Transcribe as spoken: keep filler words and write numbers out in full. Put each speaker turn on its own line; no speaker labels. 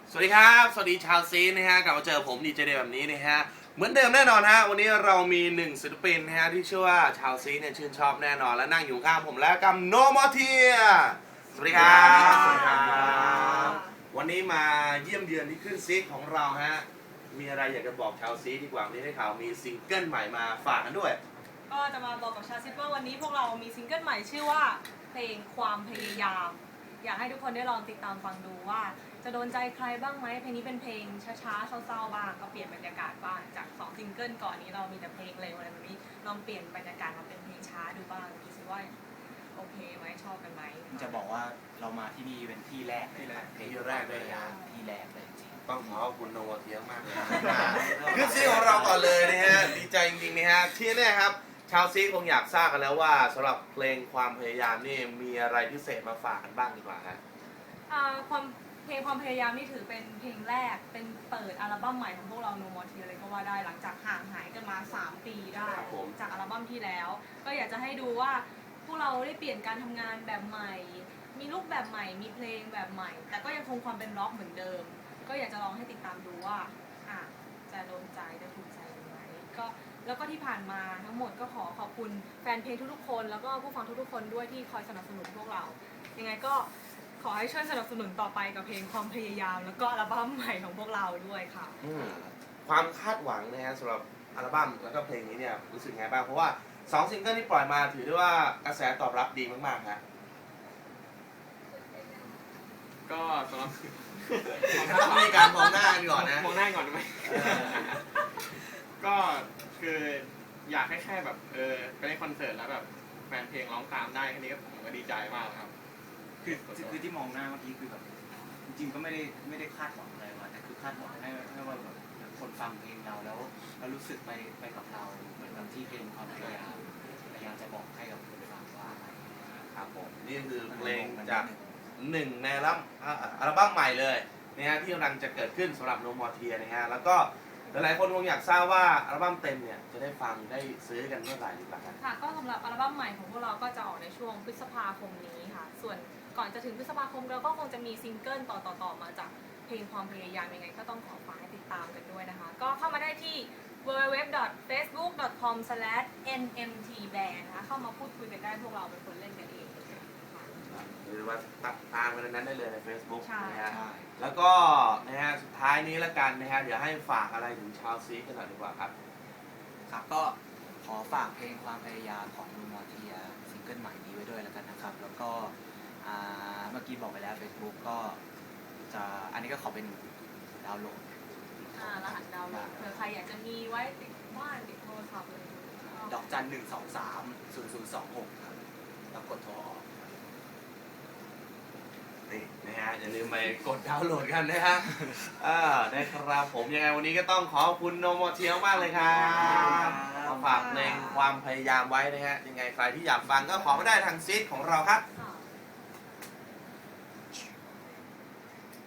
สวัสดีครับสวัสดีชาวซีนะฮะกลับมาเจอผมดีเจเดย์แบบนี้นะฮะเหมือนเดิมแน่นอนฮะวันนี้เรามีหนึ่งศิลปินนะฮะที่เชื่อว่าชาวซีเนี่ยชื่นชอบแน่นอนและนั่งอยู่ข้างผมแล้วกับโนมอเทียสวัสดีครับสวัสดีครับวันนี้มาเยี่ยมเยือนที่ขึ้นซีของเราฮะมีอะไรอยากจะบอกชาวซีดีกว่าวันนี้ได้ข่าวมีซิงเกิลใหม่มาฝากกันด้วย
ก็จะมาบอกกับชาวซิปว่าวันนี้พวกเรามีซิงเกิลใหม่ชื่อว่าเพลงความพยายาม อยากให้ทุกคนได้ลองติดตามฟังดูว่าจะโดนใจใครบ้างไหมเพลงนี้เป็นเพลงช้าๆเศร้าๆบ้างก็เปลี่ยนบรรยากาศบ้างจากสองซิงเกิลก่อนนี้เรามีแต่เพลงเร็วอะไรแบบนี้ลองเปลี่ยนบรรยากาศมาเป็นเพลงช้าดูบ้างดูสิว่าโอเคไหมชอบกันไหม
จะบอกว่าเรามาที่นี่เป็นที่แรกเลยนะที่แรกเลยที่แรกเลยจริง
ต้องขอขอบคุณโนมอเทียมากเลยขึ้นซีของเราก่อนเลยนะฮะดีใจจริงๆนะฮะที่แน่ครับชาวซีคงอยากทราบกันแล้วว่าสำหรับเพลงความพยายามนี่มีอะไรพิเศษมาฝากกันบ้างดีกว่าฮะ
ความเพลงความพยายามนี่ถือเป็นเพลงแรกเป็นเปิดอัลบั้มใหม่ของพวกเราโนมอทีเลยก็ว่าได้หลังจากห่างหายกันมาสามปีได้จากอัลบั้มที่แล้วก็อยากจะให้ดูว่าพวกเราได้เปลี่ยนการทำงานแบบใหม่มีรูปแบบใหม่มีเพลงแบบใหม่แต่ก็ยังคงความเป็นร็อกเหมือนเดิมก็อยากจะลองให้ติดตามดูว่าอ่ะจะโดนใจจะถูกใจไหมก็แล้วก็ที่ผ่านมาทั้งหมดก็ขอขอบคุณแฟนเพลงทุกๆคนแล้วก็ผู้ฟังทุกๆคนด้วยที่คอยสนับสนุนพวกเรายังไงก็ขอให้ช่วยสนับสนุนต่อไปกับเพลงความพยายามแล้วก็อัลบั้มใหม่ของพวกเราด้วยค่ะ
ความคาดหวังนะฮะสำหรับอัลบั้มแล้วก็เพลงนี้เนี่ยรู้สึกไงบ้างเพราะว่าสองซิงเกิลที่ปล่อยมาถือได้ว่ากระแสตอบรับดีมากๆฮะ
ก็สำหรับ
ต้องมีการมองหน้ากันก่อนนะ
มองหน้าก่อนไหมก็คืออยากให้แค่แบบเออไปเล่นคอนเสิร์ตแล้วแบบแฟนเพลงร้องตามได้แค่นี้ก็ผมก็ดีใจมากครับ
คือคือที่มองหน้าเมื่อกี้คือแบบจริงๆก็ไม่ได้ไม่ได้คาดหวังอะไรมาแต่คือคาดหวังให้ให้ว่าแบบคนฟังเพลงเราแล้วแล้วรู้สึกไปไปกับเราเหมือนกับที่เพลงความพยายามพยายามจะบอกให้กับคนฟังว่าอะไร
ครับผมนี่คือเพลงจากหนึ่งในอัลบั้มอัลบั้มใหม่เลยนะฮะที่กำลังจะเกิดขึ้นสำหรับโนมอเทียนะฮะแล้วก็หลายๆคนคงอยากทราบว่าอัลบั้มเต็มเนี่ยจะได้ฟังได้ซื้อกันเมื่อไหร่หรือเปล่า
ค่ะก็สำหรับอัลบั้มใหม่ของพวกเราก็จะออกในช่วงพฤษภาคมนี้ค่ะส่วนก่อนจะถึงพฤษภาคมเราก็คงจะมีซิงเกิลต่อๆมาจากเพลงความพยายามยังไงก็ต้องขอฝากให้ติดตามกันด้วยนะคะก็เข้ามาได้ที่ ดับเบิลยู ดับเบิลยู ดับเบิลยู ดอท เฟซบุ๊ก ดอท คอม สแลช เอ็น เอ็ม ที แบนด์ นะคะเข้ามาพูดคุยกันได้พวกเราเป็นคนเล่นกันเอง
หรือว่าตัดตามกันนั้นได้เลยใน Facebook นะฮะ
ใช่
แล้วก็นะฮะสุดท้ายนี้ละกันนะฮะเดี๋ยวให้ฝากอะไรถึงชาวซีกันหน่อยดีกว่าครับ
ครับก็ขอฝากเพลงความพยายามของลุงมอเทียซิงเกิลใหม่นี้ไว้ด้วยแล้วกันนะครับแล้วก็เมื่อกี้บอกไปแล้ว Facebook ก็จะอันนี้ก็ขอเป็นดาวน์โหลด
รหัสดาวน์โหลดเผื่อใครอยากจะมีไว้ติดบ้านติดโทรศัพท์เลย
ดอกจันหนึ่งสองสามศูนย์ศูนย์สองหกครับแล้วกดโทรออก
นี่นะฮะอย่าลืมไปกดดาวน์โหลดกันนะฮะอ่าได้ครับผมยังไงวันนี้ก็ต้องขอบคุณโนมอเทียมากเลยครับมาฝากเพลงความพยายามไว้นะฮะยังไงใครที่อยากฟังก็ขอมาได้ทางซีดของเราครับ